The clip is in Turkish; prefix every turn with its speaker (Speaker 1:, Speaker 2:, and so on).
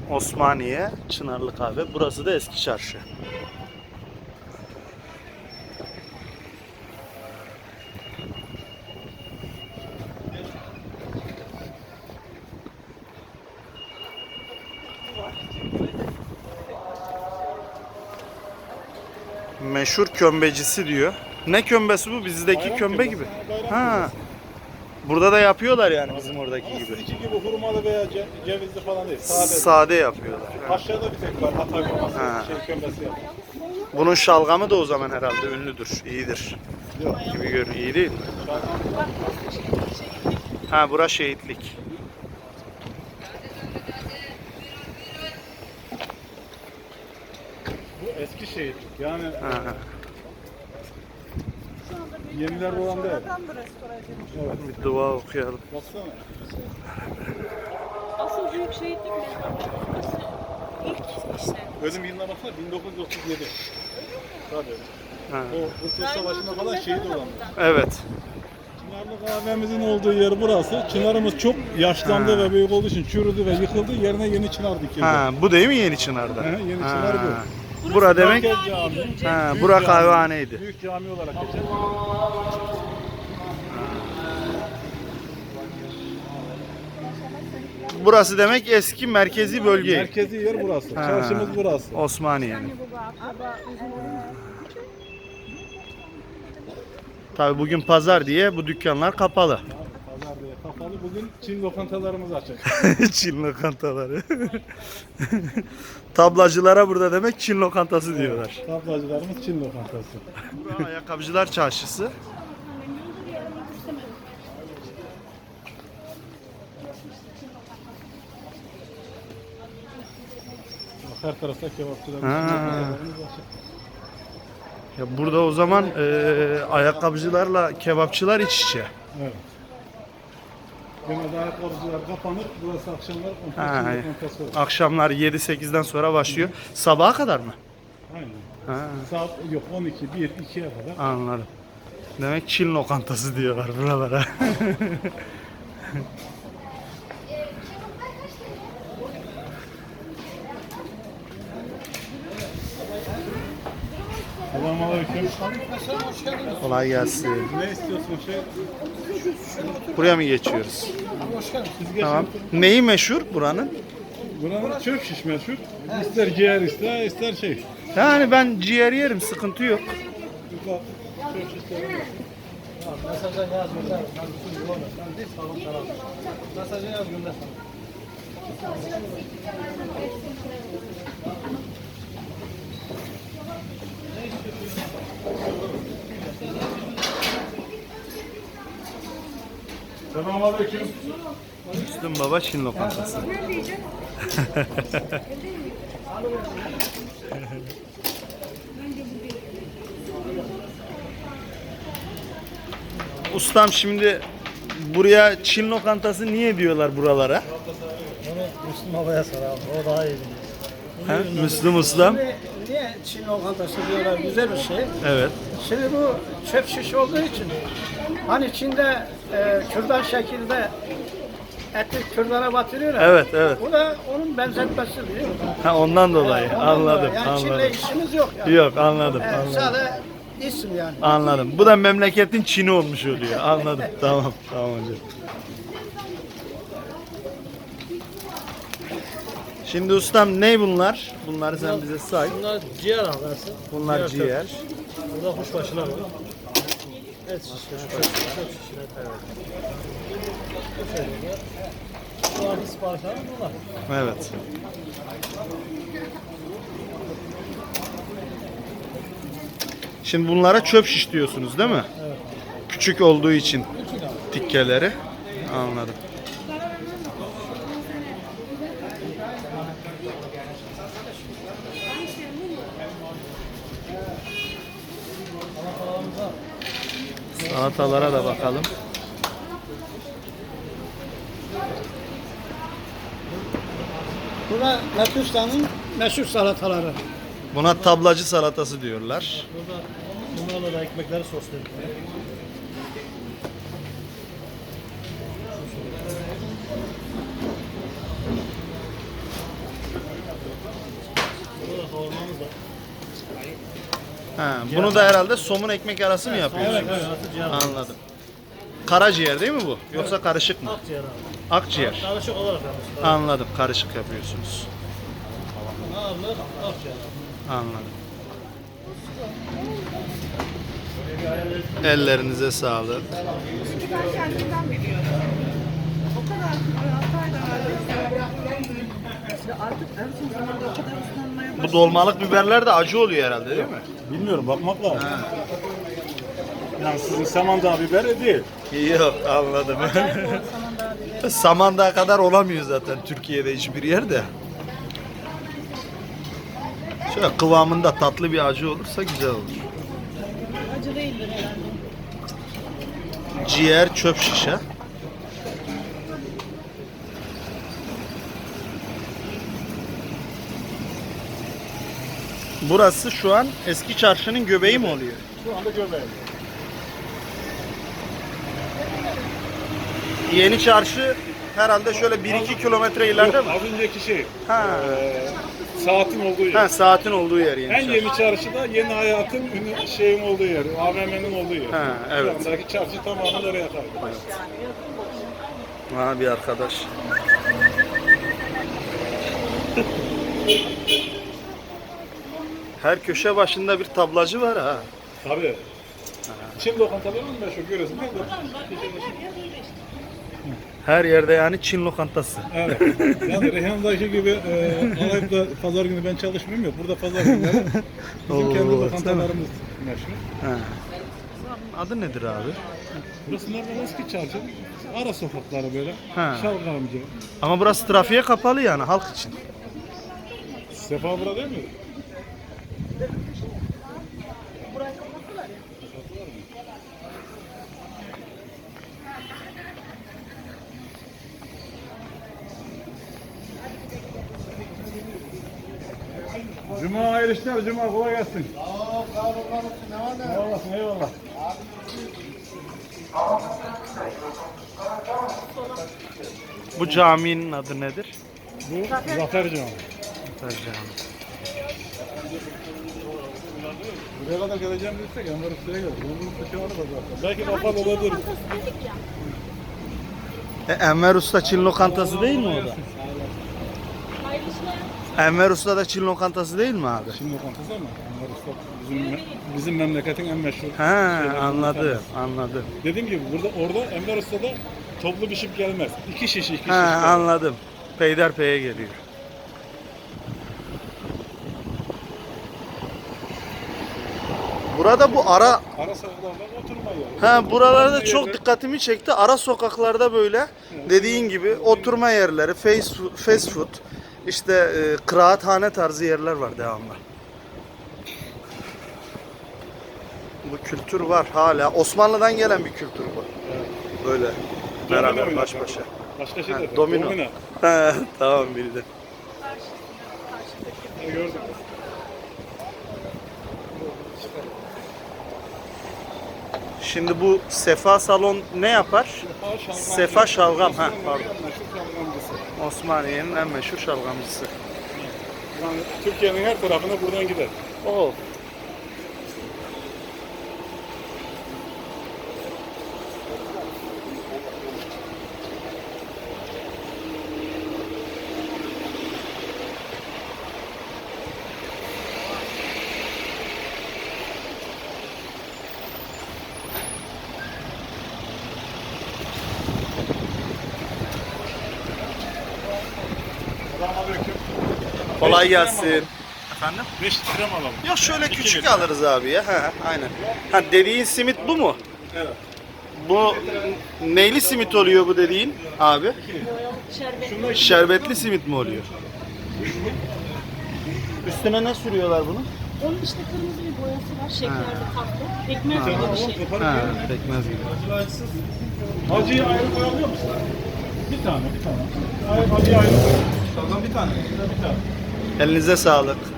Speaker 1: Osmaniye, Çınarlı Kahve. Burası da Eski Çarşı. Meşhur kömbecisi diyor. Ne kömbesi bu? Bizdeki
Speaker 2: Bayram
Speaker 1: kömbe
Speaker 2: kömbesi.
Speaker 1: gibi.
Speaker 2: Bayram
Speaker 1: Ha. Burada da yapıyorlar yani bizim oradaki
Speaker 2: Ama
Speaker 1: gibi.
Speaker 2: sizinki gibi hurmalı veya cevizli falan değil. Sade.
Speaker 1: Sade yapıyorlar. Ha.
Speaker 2: Aşağıda bir tek var. Hatay hurması.
Speaker 1: Ha.
Speaker 2: Kömbesi yapıyor.
Speaker 1: Bunun şalgamı da o zaman herhalde ünlüdür, iyidir.
Speaker 2: Yok.
Speaker 1: Gibi görünüyor. İyi değil mi? Ha, bura şehitlik.
Speaker 2: Bu eski şehitlik. Yani
Speaker 1: Ha.
Speaker 2: yeniler olan değil. Evet.
Speaker 1: Bir dua okuyalım.
Speaker 2: Baksana.
Speaker 3: Asıl büyük şehitlik mi? İlk işte.
Speaker 2: Ölüm yılına baksana 1937. Tabii.
Speaker 1: Ha.
Speaker 2: O Kurtuluş Savaşı'nda falan şehit olan.
Speaker 1: Evet.
Speaker 2: Çınarlı kahvemizin olduğu yer burası. Çınarımız çok yaşlandı ve büyük olduğu için çürüdü ve yıkıldı. Yerine yeni çınar dikildi.
Speaker 1: Ha, bu değil mi Yeni Çınar'da?
Speaker 2: He, Yeni
Speaker 1: Ha.
Speaker 2: Çınar bu.
Speaker 1: Bura demek
Speaker 2: Merkez Camii.
Speaker 1: ha,
Speaker 2: Büyük
Speaker 1: bura
Speaker 2: cami.
Speaker 1: kahvehaneydi.
Speaker 2: Büyük cami olarak geçer.
Speaker 1: Burası demek eski merkezi bölge.
Speaker 2: Merkezi yer burası.
Speaker 1: Ha.
Speaker 2: Çarşımız burası.
Speaker 1: Osmaniye'nin. Tabii bugün pazar diye bu dükkanlar kapalı.
Speaker 2: Pazar diye kapalı. Bugün Çin lokantalarımız açık.
Speaker 1: Çin lokantaları. Tablacılara burada demek Çin lokantası diyorlar.
Speaker 2: Tablacılarımız Çin lokantası.
Speaker 1: Burası Ayakkabıcılar Çarşısı.
Speaker 2: Bak, her tarafta kebapçılarımız.
Speaker 1: Ha.
Speaker 2: lokantalarımız açık.
Speaker 1: Ya burada o zaman ayakkabıcılarla kebapçılar iç içe.
Speaker 2: Evet. Genelde ayakkabıcılar kapanır. Burası akşamlar
Speaker 1: Ha,
Speaker 2: Çin lokantası olur.
Speaker 1: akşamlar 7-8'den sonra başlıyor. Sabaha kadar mı?
Speaker 2: Aynen.
Speaker 1: Ha,
Speaker 2: Saat yok 12, 1, 2'ye kadar.
Speaker 1: anladım. Demek Çin lokantası diyorlar buralara.
Speaker 2: Selamünaleyküm.
Speaker 1: Kolay gelsin.
Speaker 2: Ne istiyorsun şey?
Speaker 1: Buraya mı geçiyoruz?
Speaker 2: Siz geçin.
Speaker 1: Tamam. Neyi meşhur buranın?
Speaker 2: Buranın çöp şiş meşhur. İster ciğer ister şey.
Speaker 1: Yani ben ciğer yerim, sıkıntı yok.
Speaker 2: Burada çöp şişleri var.
Speaker 4: Mesaja yaz gönder. Ben bütün yolu ben değil sağlam tarafı. Mesaja yaz gönder.
Speaker 2: Selamünaleyküm.
Speaker 1: Müslüm Baba Çin lokantası. Ustam şimdi buraya Çin lokantası niye diyorlar buralara?
Speaker 4: Onu Müslüm Baba'ya sor abi. O daha iyi bilir.
Speaker 1: Ha? Müslüm Ustam.
Speaker 4: Niye Çin lokantası diyorlar? Güzel bir şey.
Speaker 1: Evet.
Speaker 4: Şimdi bu çöp şiş olduğu için hani Çin'de kürdan şekilde eti kürdana batırıyorlar.
Speaker 1: Evet, evet.
Speaker 4: Bu da onun benzetmesi biliyor musun?
Speaker 1: Ha, ondan dolayı.
Speaker 4: Ondan
Speaker 1: Anladım,
Speaker 4: dolayı. Yani
Speaker 1: anladım.
Speaker 4: Çin'le işimiz yok yani.
Speaker 1: Yok, anladım,
Speaker 4: Evet,
Speaker 1: anladım.
Speaker 4: sadece isim yani.
Speaker 1: Anladım. Bu da memleketin Çin'i olmuş oluyor. Anladım. Tamam, tamam hocam. Şimdi ustam ne bunlar? Bunları sen bize say.
Speaker 4: Bunlar ciğer ağası.
Speaker 1: Bunlar ciğer.
Speaker 4: Burada kuşbaşılar var. Et şişleri, çöp şişleri. Evet. Şu anki siparişler bunlar.
Speaker 1: Evet. Şimdi bunlara çöp şiş diyorsunuz değil mi?
Speaker 4: Evet.
Speaker 1: Küçük olduğu için
Speaker 4: Küçük abi.
Speaker 1: tikkeleri. Anladım. Salatalara da bakalım.
Speaker 4: Burada Metustan'ın meşhur salataları.
Speaker 1: Buna tablacı salatası diyorlar.
Speaker 4: Burada bunlarla da ekmekleri sosluyoruz.
Speaker 1: Ha, bunu da herhalde somun ekmek arası mı yapıyorsunuz?
Speaker 2: Evet, evet.
Speaker 1: Anladım. Karaciğer değil mi bu? Yoksa karışık mı?
Speaker 5: Akciğer abi.
Speaker 1: Akciğer.
Speaker 5: Karışık olarak yapmışlar.
Speaker 1: Anladım. Karışık yapıyorsunuz.
Speaker 5: Ağırlık akciğer.
Speaker 1: Anladım. Ellerinize sağlık.
Speaker 3: Ben kendimden biliyorum. O kadar hatayla verdim. Artık en son zamanda o kadar ıslanmaya
Speaker 1: Bu dolmalık biberler de acı oluyor herhalde değil mi?
Speaker 2: Bilmiyorum, bakmak lazım. Yani sizin Samandağ biberi değil.
Speaker 1: Yok, anladım. Samandağ kadar olamıyor zaten Türkiye'de hiçbir yerde. Şöyle kıvamında tatlı bir acı olursa güzel olur.
Speaker 3: acı değildir herhalde.
Speaker 1: Ciğer çöp şişe. Burası şu an eski çarşının göbeği mi oluyor?
Speaker 2: Şu anda göbeği.
Speaker 1: Yeni çarşı herhalde şöyle 1-2 kilometre ileride mi?
Speaker 2: Az önceki şey,
Speaker 1: Ha.
Speaker 2: saatin olduğu yer.
Speaker 1: Ha, saatin olduğu yer yeni
Speaker 2: En
Speaker 1: çarşı.
Speaker 2: yeni çarşıda yeni hayatın şeyin olduğu yer, AVM'nin olduğu yer.
Speaker 1: Ha, evet.
Speaker 2: Şu andaki çarşı tamamen oraya kaldı.
Speaker 1: Ha, bir arkadaş. Her köşe başında bir tablacı var ha.
Speaker 2: Tabii. Çin lokantaları mı meşhur görüyorsun değil mi?
Speaker 1: Her yerde yani Çin lokantası.
Speaker 2: Evet. Yani Reyhan'daki gibi alayıp da pazar günü ben çalışmıyorum yok. Burada pazar günleri bizim kendi
Speaker 1: Oo,
Speaker 2: lokantalarımız meşhur.
Speaker 1: Ha. Adı nedir abi?
Speaker 2: Burası normal eski çarşı. Ara sokakları böyle.
Speaker 1: Ha.
Speaker 2: Şalgamcı.
Speaker 1: Ama burası trafiğe kapalı yani halk için.
Speaker 2: Sefa burada değil mi? Cuma hayırlı işler, Cuma kolay gelsin. Sağ olasın, eyvallah.
Speaker 1: Bu caminin adı nedir?
Speaker 2: Bu Zafer Camii.
Speaker 1: Zafer Camii.
Speaker 2: Buraya kadar geleceğim dersek Enver Usta'ya geliriz. Bunun taşı var da zaten. Belki kapalı olabilir.
Speaker 1: Enver Usta Çin lokantası değil mi o da? Enver Usta da Çin lokantası değil mi abi?
Speaker 2: Çin lokantası ama Enver Usta bizim memleketin en meşhur.
Speaker 1: He,
Speaker 2: şeylerinden
Speaker 1: anladım,
Speaker 2: bir tanesi.
Speaker 1: anladım.
Speaker 2: Dediğim gibi orada Enver Usta'da toplu bir şip gelmez. İki şiş
Speaker 1: He,
Speaker 2: gelir.
Speaker 1: anladım. Peyderpey'e geliyor. Burada bu ara
Speaker 2: Ara sokaklarda oturma yeri.
Speaker 1: Ha, buralarda çok dikkatimi çekti. Ara sokaklarda böyle dediğin gibi oturma yerleri, fast food, işte kıraathane tarzı yerler var devamlı. Bu kültür var hala. Osmanlı'dan gelen bir kültür bu. Böyle beraber
Speaker 2: Domino
Speaker 1: baş
Speaker 2: oynar.
Speaker 1: başa.
Speaker 2: Başka şey de.
Speaker 1: Domino. He, tamam bildim.
Speaker 2: Gördüm.
Speaker 1: Şimdi bu Sefa Salon ne yapar? Sefa Şalgam. Ha, pardon. Osmaniye'nin en meşhur şalgamcısı.
Speaker 2: Yani Türkiye'nin her tarafına buradan gider.
Speaker 1: Oo.
Speaker 2: Selamünaleyküm.
Speaker 1: Kolay gelsin. Efendim?
Speaker 2: 5 lira mı alalım?
Speaker 1: Yok şöyle
Speaker 2: İki
Speaker 1: küçük
Speaker 2: lira.
Speaker 1: alırız abi ya. Ha, aynen. Ha, dediğin simit bu mu?
Speaker 2: Evet.
Speaker 1: Bu neyli simit oluyor bu dediğin abi? Şerbetli simit mi oluyor? Üstüne ne sürüyorlar bunu?
Speaker 3: Onun işte kırmızı bir boyası var. Şekerli tatlı. Ekmek gibi bir şey.
Speaker 1: Ha, pekmez gibi.
Speaker 2: Acıyı ayrı koyabiliyor musun? Bir tane. Acıyı ayrı koy. Bir tane. Bir tane.
Speaker 1: Elinize sağlık.